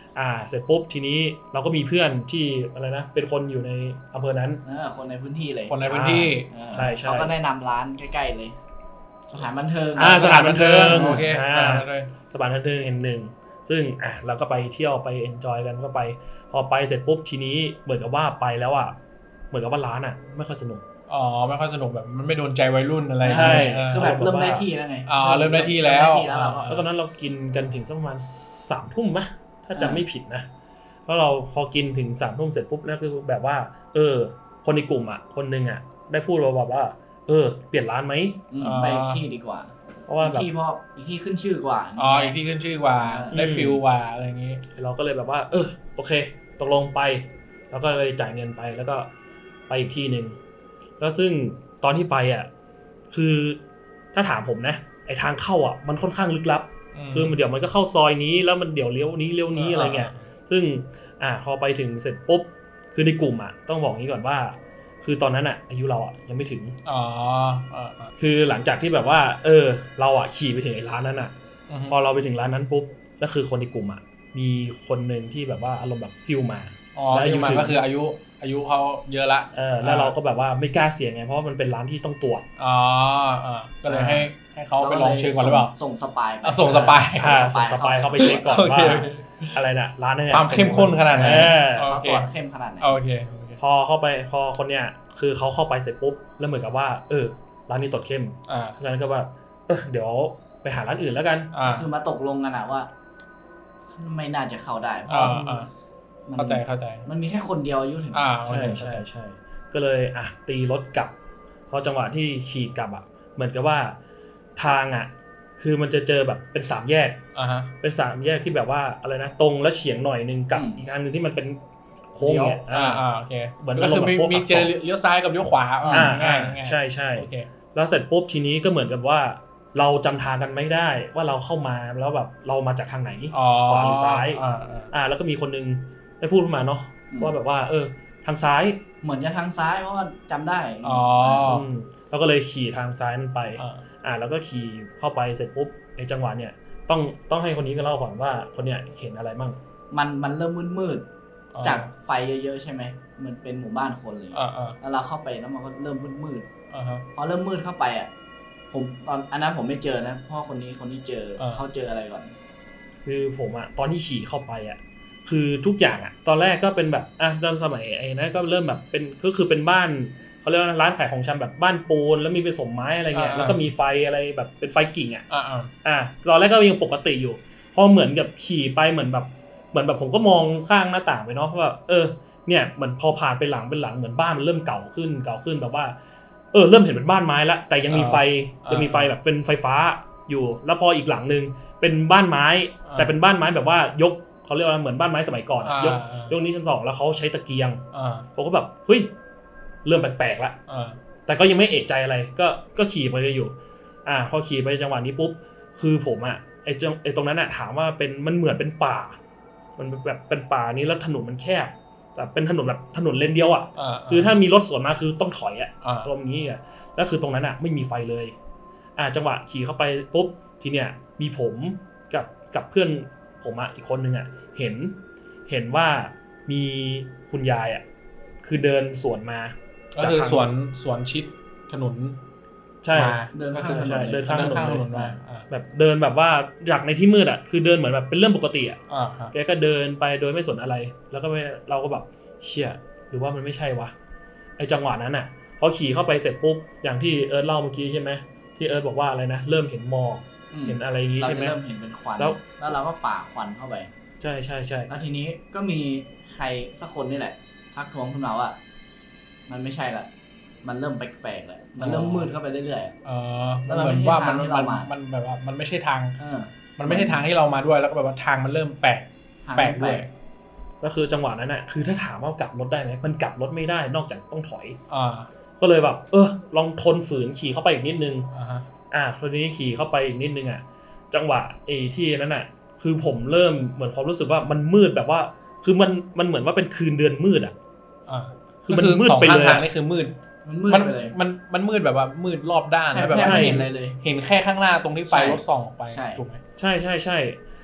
Speaker 1: อ่าเสร็จปุ๊บทีนี้เราก็มีเพื่อนที่อะไรนะเป็นคนอยู่ในอำเภอนั้น
Speaker 3: เออคนในพื้นที่เลย
Speaker 2: คนในพื้นที่
Speaker 3: เออ
Speaker 1: ใช่ใช่
Speaker 3: เขาก็แนะนำร้านใกล้ๆเลย สถานบันเทิง
Speaker 1: อ่าสถานบันเทิง
Speaker 2: โอเค
Speaker 1: อ่า
Speaker 2: อ่าเลย
Speaker 1: สถานบันเทิงแห่งหนึ่งซึ่งอ่ะเราก็ไปเที่ยวไปเอนจอยกันก็ไปพอไปเสร็จปุ๊บทีนี้เหมือนกับว่าไปแล้วอ่ะเหมือนกับว่าร้านอ่ะไม่ค่อยสนุก
Speaker 2: อ๋อไม่ค่อยสนุกแบบมันไม่โดนใจวัยรุ่นอะไร
Speaker 1: ใช่
Speaker 2: เออ
Speaker 3: คือแบบเริ่มได้ที่แล้วไง
Speaker 2: อ๋อเริ่มได้ที่แล้ว
Speaker 3: เริ่มได้ที่แล้วเราก็
Speaker 1: แล้วตอนนั้นเรากินกันถึงสักประมาณสามทุ่มมะถ้าจำไม่ผิดนะแล้วเราพอกินถึงสามทุ่มเสร็จปุ๊บแล้วคือแบบว่า เออ คนในกลุ่มอ่ะคนหนึงอ่ะได้พูดมาแบบว่า เออ เปลี่ยนร้านไหม
Speaker 3: อืมไปอีกที่ดีกว่า
Speaker 1: เพราะว่า
Speaker 3: อีก
Speaker 1: แบบ
Speaker 3: ที่เพราะอีกที่ขึ้นชื่อกว่า
Speaker 2: อ๋ออีกที่ขึ้นชื่อกว่าได้ฟิลกว่าอะไรอย่างงี้
Speaker 1: เราก็เลยแบบว่า เออโอเคตกลงไป แล้วก็เลยจ่ายเงินไปแล้วก็ไปอีกที่หนึ่งแล้วซึ่งตอนที่ไปอ่ะคือถ้าถามผมนะไอทางเข้าอ่ะมันค่อนข้างลึกลับ คือมันเดี๋ยวมันก็เข้าซอยนี้แล้วมันเดี๋ยวเลี้ยวนี้เลี้ยวนี้อะไรเงี้ยซึ่งอ่าพอไปถึงเสร็จปุ๊บคือในกลุ่มอ่ะต้องบอกงี้ก่อนว่า คือตอนนั้นอ่ะอายุเราอ่ะยังไม่ถึง
Speaker 2: อ๋ออ่า
Speaker 1: คือหลังจากที่แบบว่า เออ เราอ่ะขี่ไปถึงไอ้ร้านนั้นอ่ะ
Speaker 2: อือฮึ
Speaker 1: พอเราไปถึงร้านนั้นปุ๊บแล้วคือคนในกลุ่มอ่ะมีคนหนึ่งที่แบบว่าอารมณ์แบบซิลมา
Speaker 2: อ๋อ
Speaker 1: แล้วอา
Speaker 2: อา
Speaker 1: ยุ
Speaker 2: ยุมัน
Speaker 1: ถึง
Speaker 2: ก็คืออายุอายุเขาเยอะละ
Speaker 1: เออแล้วเราก็แบบว่าไม่กล้าเสี่ยงไงเพราะว่ามันเป็นร้านที่ต้องตรวจ
Speaker 2: อ๋ออ่าก็เลยให้ให้เขาไปลองเช็คก่อนหรือเปล่า
Speaker 3: ส่งสปายไป
Speaker 2: อ่ะส่งสปาย
Speaker 1: อ่าส่งสปายเข้าไปเช็คก่อน
Speaker 2: โอเค
Speaker 1: ว่าอะไรน่ะร้านนั้นนี่ย
Speaker 2: ความเข้มข้นขนาดไหน
Speaker 1: เออ
Speaker 2: โอ
Speaker 3: เขา
Speaker 2: เค
Speaker 3: ตรวจเข้มขนาดไหน
Speaker 2: โอเคโอเค
Speaker 1: พอเข้าไปพอคนเนี้ยคือเขาเข้าไปเสร็จปุ๊บแล้วเหมือนกับว่าเออร้านนี้ตรวจเข้ม
Speaker 2: อ่า
Speaker 1: เพราะฉะนั้นก็แบบเออเดี๋ยวไปหาร้านอื่นแล้วกัน
Speaker 2: อ่า
Speaker 3: คือมาตกลงกันอะว่า ไม่น่าจะเข้าได้เพราะ
Speaker 2: อ่า
Speaker 3: ว่า
Speaker 2: อ่า
Speaker 3: มัน
Speaker 2: เข้าใจเข้าใจ
Speaker 3: มันมีแค่คนเดียวอายุถึง
Speaker 2: อ่า
Speaker 1: ใช่ใช่ใช่ก็เลยอ่ะตีรถกลับพอจังหวะที่ขี่กลับอ่ะเหมือนกับว่าทางอ่ะคือมันจะเจอแบบเป็นสามแยก
Speaker 2: อ่าฮะ
Speaker 1: เป็นสามแยกที่แบบว่าอะไรนะตรงแล้วเฉียงหน่อยนึงกับอีกอันนึงที่มันเป็นโค้งเนี่ย
Speaker 2: อ่าอ่าโอเค
Speaker 1: เหมือน
Speaker 2: ก็คือมี
Speaker 1: อารมณ์แบบพวก
Speaker 2: มีเจอเลี้ยวซ้ายกับเลี้ยวขวา
Speaker 1: อ่า
Speaker 2: ง่า
Speaker 1: อ่าย
Speaker 2: ง่าย
Speaker 1: ใช่ใช่
Speaker 2: โอเค
Speaker 1: แล้วเสร็จปุ๊บทีนี้ก็เหมือนกับว่า เราจำทางกันไม่ได้ว่าเราเข้ามาแล้วแบบเรามาจากทางไหน
Speaker 2: อ๋อ
Speaker 1: ขวาหรือซ้าย
Speaker 2: อ่าอ่า
Speaker 1: อ่าแล้วก็มีคนนึงได้พูดขึ้นมาเนาะว่าแบบว่าเออทางซ้าย
Speaker 3: เหมือนจะทางซ้ายเพราะว่าจำได้
Speaker 2: อ๋อ
Speaker 1: มแล้วก็เลยขี่ทางซ้ายนั้นไป
Speaker 2: อ่า
Speaker 1: อ่าแล้วก็ขี่เข้าไปเสร็จปุ๊บในจังหวะเนี่ยต้องต้องให้คนนี้ก็เล่าก่อนว่าคนเนี้ยเห็นอะไรมั่ง
Speaker 3: มันมันเริ่มมืด
Speaker 2: อ๋อ
Speaker 3: ๆจากไฟเยอะๆใช่ไหมมันเป็นหมู่บ้านคนเลย
Speaker 2: อ่าอ่า
Speaker 3: แล้วเราเข้าไปแล้วมันก็เริ่มมืด
Speaker 2: อ่าฮะ
Speaker 3: ๆพอเริ่มมืดเข้าไปอ่ะผมตอนอันนั้นผมไม่เจอนะเพราะคนนี้คนที่เจอ
Speaker 2: อ่า
Speaker 3: เขาเจออะไรก่อน
Speaker 1: คือผมอะตอนที่ขี่เข้าไปอะคือทุกอย่างอะตอนแรกก็เป็นแบบอ่ะตอนสมัยไอ้นะก็เริ่มแบบเป็นก็คือเป็นบ้านเขาเรียกว่าร้านขายของชำแบบบ้านปูนแล้วมีผสมไม้อะไรเงี้ยแล้วก็มีไฟอะไรแบบเป็นไฟกิ่งอะ
Speaker 2: อ่าอ่า
Speaker 1: อ่ะตอนแรกก็ยังปกติอยู่พอเหมือนกับขี่ไปเหมือนแบบเหมือนแบบผมก็มองข้างหน้าต่างไปเนาะว่าเออเนี่ยเหมือนพอผ่านไปหลังเป็นหลังเหมือนบ้านมันเริ่มเก่าขึ้นเก่าขึ้นแบบว่าเออเริ่มเห็นเป็นบ้านไม้ละแต่ยังมีไฟยังมีไฟแบบเป็นไฟฟ้าอยู่ แล้วพออีกหลังนึงเป็นบ้านไม้ แต่เป็นบ้านไม้แบบว่ายกเขาเรียกว่าเหมือนบ้านไม้สมัยก่อนอะยกยกนี้ชั้นสองแล้วเขาใช้ตะเกียง
Speaker 2: อ่า
Speaker 1: ผมก็แบบเฮ้ยเริ่มแปลกๆละ
Speaker 2: อ่า
Speaker 1: แต่ก็ยังไม่เอะใจอะไรก็ก็ขี่ไปอยู่ อ่าพอขี่ไปจังหวะนี้ปุ๊บคือผมอ่ะไอ้จังไอ้ตรงนั้นอ่ะถามว่าเป็นมันเหมือนเป็นป่า มันแบบเป็นป่านี้แล้วถนนมันแคบแต่เป็นถนนแบบถนนเลนเดียวอ่ะ
Speaker 2: อ่า
Speaker 1: คือถ้ามีรถสวนมาคือต้องถอยอ่ะ
Speaker 2: อ่า
Speaker 1: อารมณ์นี้อ่ะแล้วคือตรงนั้นอ่ะไม่มีไฟเลย อ่าจังหวะขี่เข้าไปปุ๊บทีเนี้ยมีผมกับกับเพื่อนผมอ่ะอีกคนนึงอ่ะเห็นเห็นว่ามีคุณยายอ่ะคือเดินสวนมา
Speaker 2: ก็คือสวนสวนชิดถนน
Speaker 1: ใช่
Speaker 2: มา
Speaker 3: เดิน
Speaker 2: ก็
Speaker 3: ข้าง
Speaker 2: คือ
Speaker 3: ถน
Speaker 1: ใช่
Speaker 3: นเลย
Speaker 1: เดินข้างถนน
Speaker 2: ถนนมาอ่า
Speaker 1: แบบเดินแบบว่าจากในที่มืดอ่ะคือเดินเหมือนแบบเป็นเรื่องปกติอ่ะ
Speaker 2: อ่าฮะ
Speaker 1: แกก็เดินไปโดยไม่สนอะไร แล้วก็ไม่เราก็แบบเชี่ยหรือว่ามันไม่ใช่วะไอจังหวะนั้นอ่ะพอขี่เข้าไปเสร็จปุ๊บอย่างที่เอิร์ธเล่าเมื่อกี้ใช่ไหมที่เอิร์ธบอกว่าอะไรนะเริ่มเห็นหมอก
Speaker 3: อืม
Speaker 1: เห็นอะไรอย่างงี้
Speaker 3: เรา
Speaker 1: ใช่
Speaker 3: จะ
Speaker 1: ไหม
Speaker 3: เริ่มเห็นเป็นควัน
Speaker 1: แล้ว
Speaker 3: แล้วเราก็ฝ่าควันเข้าไป
Speaker 1: ใช่ใช่ใช่
Speaker 3: แล้วทีนี้ก็มีใครสักคนนี่แหละทักท้วงขึ้นมาว่า มันไม่ใช่ละมันเริ่มแปลกๆแล้วมันเริ่มมืดเข้าไปเรื่อย
Speaker 2: เออ
Speaker 3: แล้ว
Speaker 2: มัน
Speaker 3: มัน
Speaker 2: เหมือนว่ามัน
Speaker 3: ไม่ใช่
Speaker 2: มัน
Speaker 3: ทางที่เรามามั
Speaker 2: มันแบบว่ามันไม่ใช่ทาง
Speaker 3: ๆเออ
Speaker 2: มันไม่ใช่ทางที่เรามาด้วยแล้วก็แบบว่าทางมันเริ่มแปลก
Speaker 3: ทาง
Speaker 2: แปลก
Speaker 3: แป
Speaker 2: ด้
Speaker 3: ล
Speaker 2: วย
Speaker 3: ก
Speaker 1: ก็คือจังหวะนั้นอ่ะคือถ้าถามว่ากลับรถได้ไหมมันกลับรถไม่ได้นอกจากต้องถอย
Speaker 2: อ่า
Speaker 1: ก็เลยแบบเออลองทนฝืนขี่เข้าไปอีกนิดนึง
Speaker 2: อ่าฮะ
Speaker 1: อ่ะทีนี้ขี่เข้าไปอีกนิดนึงอ่ะจังหวะไอ้ที่นั้นอ่ะคือผมเริ่มเหมือนความรู้สึกว่ามันมืดแบบว่า คือมันมันเหมือนว่าเป็นคืนเดือนมืดอ่ะ
Speaker 2: อ่า
Speaker 1: คือมันมืดไปเลย
Speaker 2: สองข้างทางนี่คือมืด
Speaker 3: มันมืด
Speaker 2: มัน
Speaker 3: ไปเลย
Speaker 2: มันมันมืดแบบว่ามืดรอบด้าน
Speaker 3: แทบ
Speaker 2: แล้วแบบ
Speaker 3: แทบ
Speaker 2: ว่า
Speaker 3: ไม่เห็นอะไรเลย
Speaker 2: เห็นแค่ข้างหน้าตรงที่ไฟ
Speaker 3: ใช่
Speaker 2: รถส่องออกไป
Speaker 3: ใช่
Speaker 2: ถูกไหม
Speaker 1: ใช่ใช่ใช่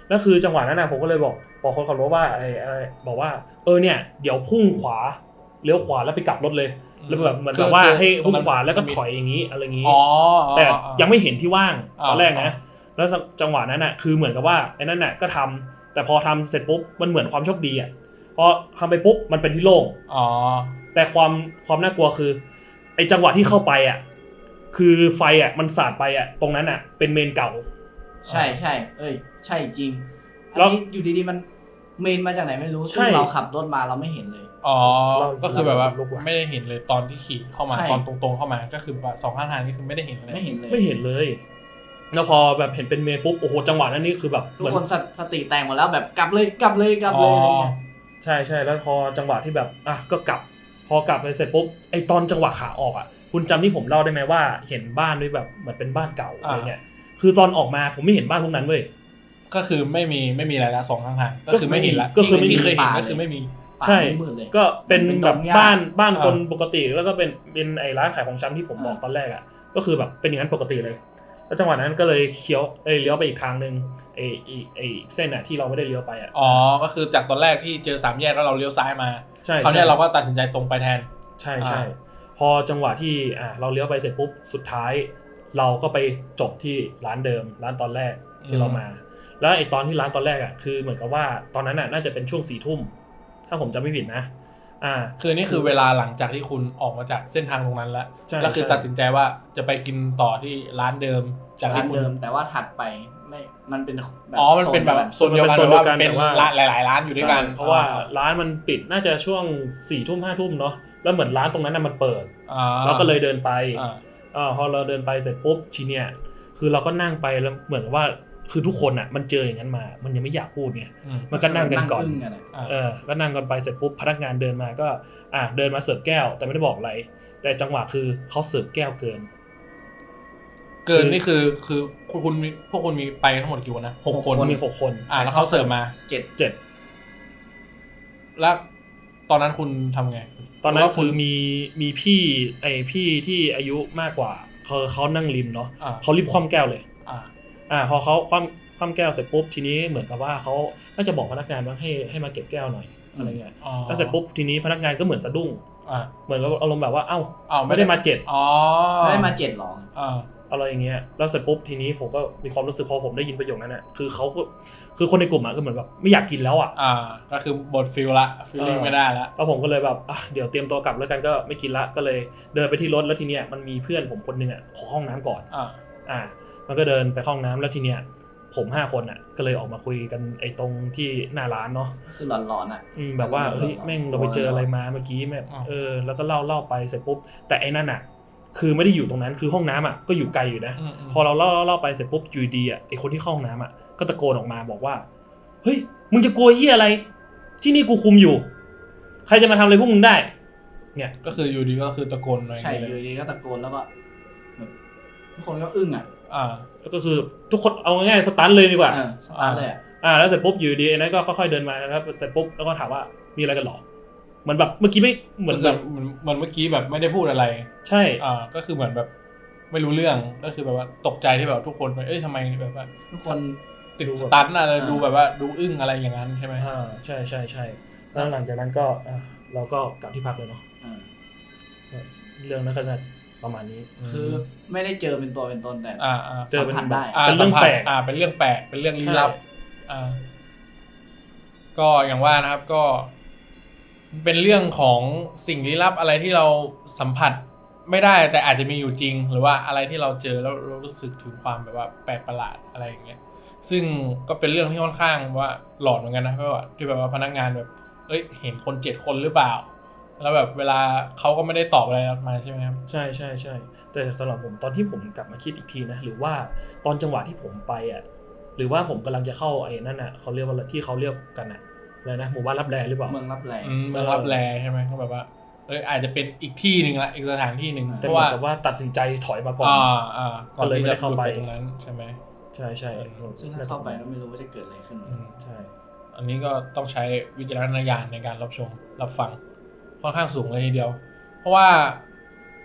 Speaker 1: แล้วคือจังหวะนั้นนะผมก็เลยบอกบอกคนขับรถว่าไอ้อะไรบอกว่าเออเนี่ยเดี๋ยวพุ่งขวาเลี้ยวขวาแล้วไปกลับรถเลยแล้วแบบเหมือนแบบว่าให้พุ่งขวาแล้วก็ถอยอย่างนี้อะไรอย่างนี้แต่ยังไม่เห็นที่ว่างตอนแรกนะแล้วจังหวะนั้นน่ะคือเหมือนกับว่าไอ้นั่นน่ะก็ทำแต่พอทำเสร็จปุ๊บมันเหมือนความโชคดีอ่ะพอทำไปปุ๊บมันเป็นที่โล่ง
Speaker 2: อ๋อ
Speaker 1: แต่ความความน่ากลัวคือไอ้จังหวะที่เข้าไปอ่ะคือไฟอ่ะมันสาดไปอ่ะตรงนั้นอ่ะเป็นเมนเก่า
Speaker 3: ใช่ใช่เอ้ยใช่จริงอันนี้อยู่ดีๆมันเมนมาจากไหนไม่รู้ซึ่งเราขับรถมาเราไม่เห็นเลย
Speaker 2: อ๋อก็คือแบบว่าไม่ได้เห็นเลยตอนที่ขี่เข้ามาตอนตรงๆเข้ามาก็คือแบบสองข้างทางนี่คือไม่ได้เห็นเลย
Speaker 3: ไม่เห็นเลย
Speaker 1: ไม่เห็นเลยแล้วพอแบบเห็นเป็นเมนปุ๊บโอ้โหจังหวะนั้นนี่คือแบบ
Speaker 3: ทุกคนสติแตกหมดแล้วแบบกลับเลยกลับเลยกลับเลยอะไรเงี้ย
Speaker 1: ใช่ใช่แล้วพอจังหวะที่แบบอ่ะก็กลับพอกลับไปเสร็จปุ๊บไอตอนจังหวะขาออกอ่ะคุณจำที่ผมเล่าได้ไหมว่าเห็นบ้านด้วยแบบเหมือนเป็นบ้านเก่าอะไรเงี้ยคือตอนออกมาผมไม่เห็นบ้านพวกนั้นเว้ย
Speaker 2: ก็คือไม่มีไม่มีอะไรละสองข้างทางก็คือไม่เห็นละก็คือไม่เคยเห็นก็คือไม่มี
Speaker 1: ใช่ก็เป็นแบบบ้านบ้านคนปกติแล้วก็เป็นเป็นไอ้ร้านขายของชำที่ผมบอกตอนแรกอ่ะก็คือแบบเป็นอย่างนั้นปกติเลยแล้วจังหวะนั้นก็เลยเคี้ยวเอ้ยเลี้ยวไปอีกทางนึงไอ้ไอ้ไอ้เส้นอ่ะที่เราไม่ได้เลี้ยวไปอ่ะ
Speaker 2: อ๋อก็คือจากตอนแรกที่เจอสามแยกแล้วเราเลี้ยวซ้ายมาคราวนี้เราก็ตัดสินใจตรงไปแทน
Speaker 1: ใช่ใช่พอจังหวะที่อ่ะเราเลี้ยวไปเสร็จปุ๊บสุดท้ายเราก็ไปจบที่ร้านเดิมร้านตอนแรกที่เรามาแล้วไอ้ตอนที่ร้านตอนแรกอ่ะคือเหมือนกับว่าตอนนั้นอ่ะน่าจะเป็นช่วงสี่ทุ่มถ้าผมจำไม่ผิดนะอ่า
Speaker 2: คือนี่คือเวลาหลังจากที่คุณออกมาจากเส้นทางตรงนั้นแล้วแล้วคือตัดสินใจว่าจะไปกินต่อที่ร้านเดิม
Speaker 3: จากร้านเดิมแต่ว่าถัดไปไม่มันเป็น
Speaker 2: อ๋อมันเป็นแบบโซนเดียวกันเป็นร้านหลายๆร้านอยู่ด้วยกัน
Speaker 1: เพราะว่าร้านมันปิดน่าจะช่วงสี่ทุ่มห้าทุ่มเนาะแล้วเหมือนร้านตรงนั้นน่ะมันเปิดเราก็เลยเดินไปอ่าพอเราเดินไปเสร็จปุ๊บทีเนี้ยคือเราก็นั่งไปแล้วเหมือนว่าคือทุกคนอ่ะมันเจออย่างนั้นมามันยังไม่อยากพูดไงมันก็นั่งกันก่อนเออก็นั่งกันไปเสร็จปุ๊บพนักงานเดินมาก็อ่ะเดินมาเสิร์ฟแก้วแต่ไม่ได้บอกอะไรแต่จังหวะคือเขาเสิร์ฟแก้วเกิน
Speaker 2: เกินนี่คือคือคุณพวกคุณมีไปทั้งหมดกี่คนนะหกคน
Speaker 1: มีหกคน
Speaker 2: อ่าแล้วเขาเสิร์ฟมา
Speaker 3: เจ็ด
Speaker 1: เจ็ด
Speaker 2: แล้วตอนนั้นคุณทำไง
Speaker 1: ตอนนั้นคือมีมีพี่ไอพี่ที่อายุมากกว่าเขาเขานั่งริมเนาะเขารีบคว่ำแก้วเลยอ่าอ่าพอเขาคว่ำคว่ำแก้วเสร็จปุ๊บทีนี้เหมือนกับว่าเขาน่าจะบอกพนักงานว่าให้ให้มาเก็บแก้วหน่อยอะไรเงี้ยแล้วเสร็จปุ๊บทีนี้พนักงานก็เหมือนสะดุ้งเหมือนกับอารมณ์แบบว่าเอ้าไม่ได้มาเจ็ด
Speaker 2: อ๋อ
Speaker 3: ไม่ได้มาเจ็ดหรอ
Speaker 1: อ่าอะไรอย่างเงี้ยแล้วเสร็จปุ๊บทีนี้ผมก็มีความรู้สึกพอผมได้ยินประโยคนั้นน่ะคือเขาก็คือคนในกลุ่มอ่ะก็เหมือนแบบไม่อยากกินแล้วอ่ะ
Speaker 2: อ่าก็คือบทฟิลละฟีลลิ่งไม่ได้ละ
Speaker 1: แล้วผมก็เลยแบบอ่ะเดี๋ยวเตรียมตัวกลับแล้วกันก็ไม่กินละก็เลยเดินไปที่รถแล้วทีเนี้ยมันมีเพื่อนผมคนนึงอ่ะขอห้องน้ำก่อน
Speaker 2: อ่า
Speaker 1: อ่ามันก็เดินไปห้องน้ำแล้วทีเนี้ยผมห้าคนอ่ะก็เลยออกมาคุยกันไอ้ตรงที่หน้าร้านเนาะ
Speaker 3: คือหลอนๆอ่ะ
Speaker 1: อืมแบบว่าเฮ้ยแม่งเราไปเจออะไรมาเมื่อกี้แม่เออแล้วก็เล่าเล่าไปเสร็จปุ๊บแต่ไอ้นั่นอ่ะคือไม่ได้อยู่ตรงนั้นคือห้องน้ำอ่ะก็อยู่ไกลอยู่นะพอเราเล่าเล่าไปเสร็จปุ๊บอยู่ดีอ่ะไอ้คนที่เข้าห้องน้ำอ่ะก็ตะโกนออกมาบอกว่าเฮ้ยมึงจะกลัวเหี้ยอะไรที่นี่กูคุมอยู่ใครจะมาทำอะไรพวกมึงได้เนี่ย
Speaker 2: ก็คืออยู่ดีก็คือตะโกน
Speaker 3: ใช่อยู่ดีก็ตะโกนแล้วก็ทุกคนก็อึ้งอ่ะ
Speaker 1: อ่าแล้วก็คือทุกคนเอาง่ายๆสตันเลยดีกว่า
Speaker 3: สตันเลย
Speaker 1: อ่าแล้วเสร็จปุ๊บอยู่ดีไอ้นั้นก็ค่อยๆเดินมานะครับเสร็จปุ๊บแล้วก็ถามว่ามีอะไรกันหรอเหมือนแบบเมื่อกี้ไม่เหมือนแบบ
Speaker 2: เหมือนเมื่อกี้แบบไม่ได้พูดอะไร
Speaker 1: ใช่
Speaker 2: อ่าก็คือเหมือนแบบไม่รู้เรื่องก็คือแบบว่าตกใจที่แบบทุกคนเอ้ยทำไมแบบว่า
Speaker 3: ทุกคน
Speaker 2: ติดสตันอะไรดูแบบว่าดูอึ้งอะไรอย่างนั้นใช่ไหม
Speaker 1: อ่าใช่ใช่ใช่แล้วหลังจากนั้นก็เราก็กลับที่พักเลยเนาะเรื่องนั้นก็จะประมาณนี้
Speaker 3: คือไม่ได้เจอเป็นตัวเป็นตนแต่
Speaker 2: อ่า
Speaker 1: เจอเป็น
Speaker 3: ได้
Speaker 1: เป็นเรื่องแปลก
Speaker 2: อ่าเป็นเรื่องแปลกเป็นเรื่องลี้ลับอ่าก็อย่างว่านะครับก็เป็นเรื่องของสิ่งลี้ลับอะไรที่เราสัมผัสไม่ได้แต่อาจจะมีอยู่จริงหรือว่าอะไรที่เราเจอแล้วเรารู้สึกถึงความแบบว่าแปลกประหลาดอะไรอย่างเงี้ยซึ่งก็เป็นเรื่องที่ค่อนข้างว่าหลอนเหมือนกันนะเพราะว่าที่แบบว่าพนักงานแบบเอ้ยเห็นคนเจ็ดคนหรือเปล่าแล้วแบบเวลาเขาก็ไม่ได้ตอบอะไรมาใช่ไหมครับ
Speaker 1: ใช่ใช่ใช่แต่สำหรับผมตอนที่ผมกลับมาคิดอีกทีนะหรือว่าตอนจังหวะที่ผมไปอ่ะหรือว่าผมกำลังจะเข้าไอ้นั่นอ่ะเขาเรียกว่าที่เขาเรียกกันอ่ะอะไรนะหมู่บ้านรับแลหรือเปล่า
Speaker 3: เมืองรับแล
Speaker 2: เมืองรับแลใช่ไหมเขาแบบว่าเอออาจจะเป็นอีกที่หนึ่งละอีกสถานที่หนึ่ง
Speaker 1: เพราะว่าแต่ว่าตัดสินใจถอยมาก่อน
Speaker 2: อ่าอ่า
Speaker 1: ก็เลยไม่ได้เข้าไป
Speaker 2: ตรงนั้นใช่ไหม
Speaker 1: ใช่ใช่
Speaker 3: ซึ่งถ้าเข้าไปก็ไม่รู้ว่าจะเกิดอะไรขึ้น
Speaker 1: ใช่
Speaker 2: อันนี้ก็ต้องใช้วิจารณญาณในการรับชมรับฟังค่อนข้างสูงเลยทีเดียวเพราะว่า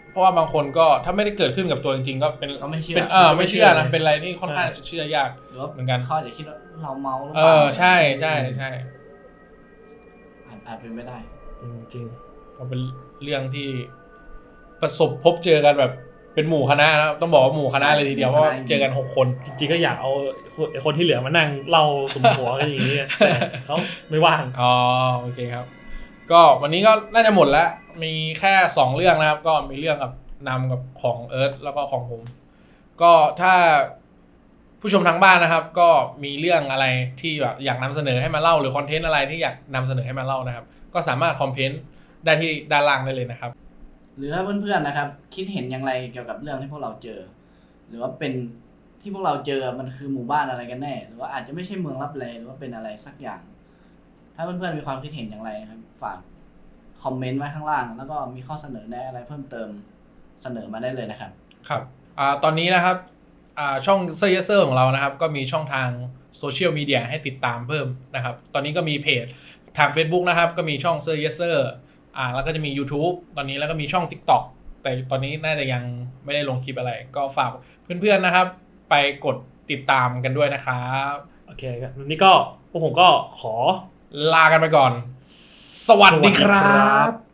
Speaker 2: เพราะว่าบางคนก็ถ้าไม่ได้เกิดขึ้นกับตัวจริงๆก็เป็น
Speaker 3: ก็ไม่เชื่อ
Speaker 2: เป็นเออไม่เชื่อนะเป็นอะไรที่ค่อนข้างจะเชื่อยาก
Speaker 3: หรือว่า
Speaker 2: เหมือนกัน
Speaker 3: เขาอาจจะคิดว่าเราเมาหรือ
Speaker 2: เอ
Speaker 3: เปล่า
Speaker 2: อใช่ใช่ใช่
Speaker 3: อาจอาจเป็นไม่ได้
Speaker 1: จริง
Speaker 2: ก็เป็นเรื่องที่ประสบพบเจอกันแบบเป็นหมู่คณะนะต้องบอกว่าหมู่คณะเลยทีเดียวเพราะว่าเจอกันหกคน
Speaker 1: ๆจริงๆก็อยากเอาคนคนที่เหลือมานั่งเล่าสุมหัวกันอย่างนี้แต่เขาไม่ว่าง
Speaker 2: อ๋อโอเคครับ ก็วันนี้ก็น่าจะหมดแล้วมีแค่สองเรื่องนะครับ ก็มีเรื่องกับนำกับของเอิร์ธแล้วก็ของผมก็ถ้าผู้ชมทางบ้านนะครับ ก็มีเรื่องอะไรที่แบบอยากนำเสนอให้มาเล่าหรือคอนเทนต์อะไรที่อยากนำเสนอให้มาเล่านะครับ ก็สามารถคอมเมนต์ได้ที่ด้านล่างได้เลยนะครับ
Speaker 3: หรือถ้าเพื่อนๆนะครับ คิดเห็นอย่างไรเกี่ยวกับเรื่องที่พวกเราเจอ หรือว่าเป็นที่พวกเราเจอมันคือหมู่บ้านอะไรกันแน่ หรือว่าอาจจะไม่ใช่เมืองลับแลหรือว่าเป็นอะไรสักอย่าง ถ้าเพื่อนๆมีความคิดเห็นอย่างไรนะครับฝากคอมเมนต์ไว้ข้างล่าง แล้วก็มีข้อเสนอแนะอะไรเพิ่มเติมเสนอมาได้เลยนะครับ
Speaker 2: ครับอ่าตอนนี้นะครับอ่าช่องเซอร์เยเซอร์ของเรานะครับก็มีช่องทางโซเชียลมีเดียให้ติดตามเพิ่มนะครับตอนนี้ก็มีเพจทาง Facebook นะครับก็มีช่องเซอร์เยเซอร์อ่าแล้วก็จะมี YouTube ตอนนี้แล้วก็มีช่อง TikTok แต่ตอนนี้น่าจะยังไม่ได้ลงคลิปอะไร ก็ฝากเพื่อนๆนะครับไปกดติดตามกันด้วยนะครับ
Speaker 1: โอเคครับวันนี้ก็พวกผมก็ขอ
Speaker 2: ลากันไปก่อน สวัสดีครับ